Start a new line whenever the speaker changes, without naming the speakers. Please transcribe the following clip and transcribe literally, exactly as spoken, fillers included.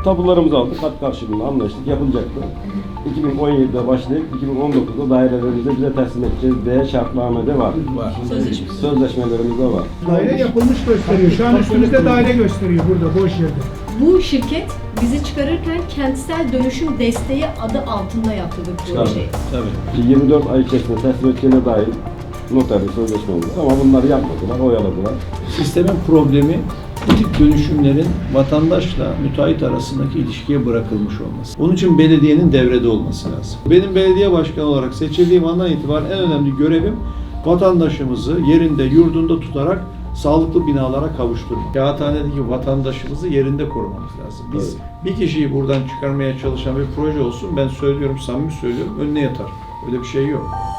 Tapularımızı aldık, kat karşılığında anlaştık, yapılacaktı. iki bin on yedide başlayıp iki bin on dokuzda dairelerimizi bize teslim edeceğiz diye şartnamede var.
Var.
Sözleşme.
Sözleşmelerimizde var.
Daire yapılmış gösteriyor. Şu an üstümüzde daire gösteriyor burada boş yerde.
Bu şirket bizi çıkarırken kentsel dönüşüm desteği adı altında yaptı bu projeyi.
Tabii.
yirmi dört ay içerisinde teslim edeceğine dair noterli sözleşmemiz var. Ama bunları yapmadılar, oyaladılar.
Sistemin problemi bu tip dönüşümlerin vatandaşla müteahhit arasındaki ilişkiye bırakılmış olması. Onun için belediyenin devrede olması lazım. Benim belediye başkanı olarak seçildiğim andan itibaren en önemli görevim vatandaşımızı yerinde, yurdunda tutarak sağlıklı binalara kavuşturmak. Kağıthanedeki vatandaşımızı yerinde korumamız lazım. Biz bir kişiyi buradan çıkarmaya çalışan bir proje olsun, ben söylüyorum, samimi söylüyorum, önüne yatar. Öyle bir şey yok.